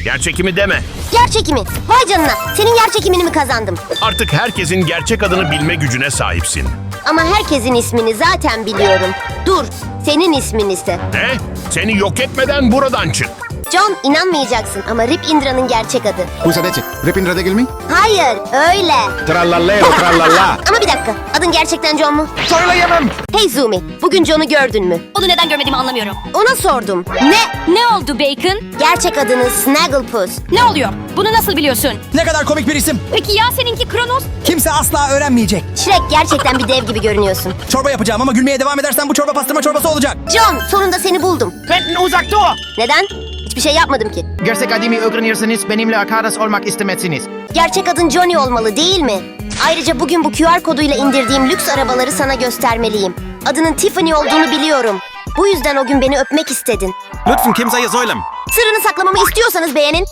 Yer çekimi deme. Yer çekimi. Vay canına. Senin yer çekimini mi kazandım? Artık herkesin gerçek adını bilme gücüne sahipsin. Ama herkesin ismini zaten biliyorum. Dur. Senin ismin ise. Ne? Seni yok etmeden buradan çık. John, inanmayacaksın ama Rip Indra'nın gerçek adı. Kusa dece. Repindra değil mi? Hayır, öyle. Trallalleo trallalla. Ama bir dakika. Adın gerçekten John mu? Söyleyemem. Hey Zumi, bugün John'u gördün mü? Onu neden görmediğimi anlamıyorum. Ona sordum. Ne oldu Bacon? Gerçek adını Snagglepuss. Ne oluyor? Bunu nasıl biliyorsun? Ne kadar komik bir isim. Peki ya seninki Kronos? Kimse asla öğrenmeyecek. Shrek, gerçekten bir dev gibi görünüyorsun. Çorba yapacağım ama gülmeye devam edersen bu çorba pastırma çorbası olacak. John, sonunda seni buldum. Benden uzak dur. Neden? Hiçbir şey yapmadım ki. Gerçek adımı öğrenirseniz benimle arkadaş olmak istemezsiniz. Gerçek adın Johnny olmalı değil mi? Ayrıca bugün bu QR koduyla indirdiğim lüks arabaları sana göstermeliyim. Adının Tiffany olduğunu biliyorum. Bu yüzden o gün beni öpmek istedin. Lütfen kimseye söyleme. Sırrını saklamamı istiyorsanız beğenin.